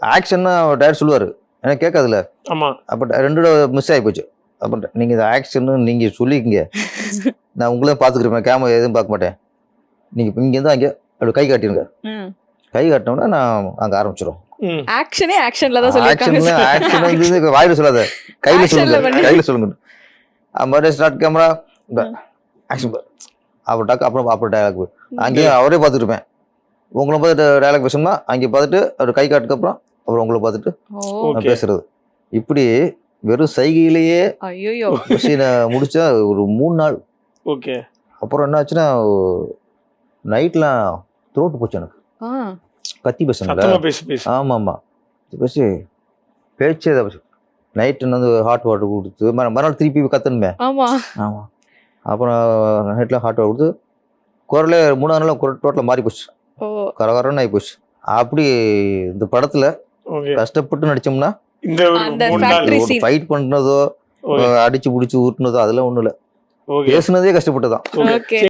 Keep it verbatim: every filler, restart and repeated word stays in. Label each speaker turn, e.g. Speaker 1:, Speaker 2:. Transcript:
Speaker 1: ஆக்ஷன்னா director சொல்லுவார், எனக்கு கேட்காதுல்ல.
Speaker 2: ஆமாம்.
Speaker 1: அப்போ ரெண்டோட மிஸ் ஆகி போச்சு. அப்போ நீங்கள் இந்த ஆக்ஷன்னு நீங்கள் சொல்லிக்கிங்க, நான் உங்களே பார்த்துக்கிறேன், கேமரா எதுவும் பார்க்க மாட்டேன். நீங்கள் இப்போ இங்கேருந்து அங்கே அப்படி கை காட்டிடுங்க. கை காட்டினோம்னா நான் அங்கே ஆரம்பிச்சிடும்.
Speaker 3: ஆக்ஷனே ஆக்ஷன்ல தான் சொல்லிருக்காங்க.
Speaker 1: ஆக்ஷன் வந்து வாயில சொல்லாத, கையில சொல்லுங்க, கையில சொல்லுங்க. அது ஸ்டார்ட் கேமரா ஆக்ஷன் அப்புறம் டாக்கு அப்புறம் அப்புறம் டயலாக் அங்கேயும் அவரே பார்த்துட்டு இருப்பேன். உங்களை பார்த்துட்டு டயலாக் பேசணும்னா அங்கே பார்த்துட்டு அவர் கை காட்டுக்கு அப்புறம் அப்புறம் உங்களை பார்த்துட்டு நான் பேசுறது. இப்படி வெறும் சைகையிலேயே சீனை முடிச்சா ஒரு மூணு நாள்.
Speaker 2: ஓகே.
Speaker 1: அப்புறம் என்ன ஆச்சுன்னா நைட்லாம் த்ரோட்டு போச்சு எனக்கு, கத்தி பேசணும். ஆமாம் ஆமாம் பேசி பேச்சே தான் பேசு. நைட்டு வந்து ஹாட் வாட்டர் கொடுத்து மறுநாள் திருப்பி கத்தணுமே.
Speaker 3: ஆமாம்
Speaker 1: ஆமாம். அப்புறம் நைட்டில் ஹாட் வாட்டர் கொடுத்து குரலே மூணாவது நாள் குரல் டோட்டலாக மாறி போச்சு, கரகரன்னு ஆகி போச்சு. அப்படி இந்த படத்தில் கஷ்டப்பட்டு நடிச்சோம்னா ஃபைட் பண்ணுறதோ அடிச்சு பிடிச்சி ஊட்டுனதோ அதெல்லாம் ஒன்றும் இல்லை, பேசுனதே கஷ்டப்பட்டு தான்.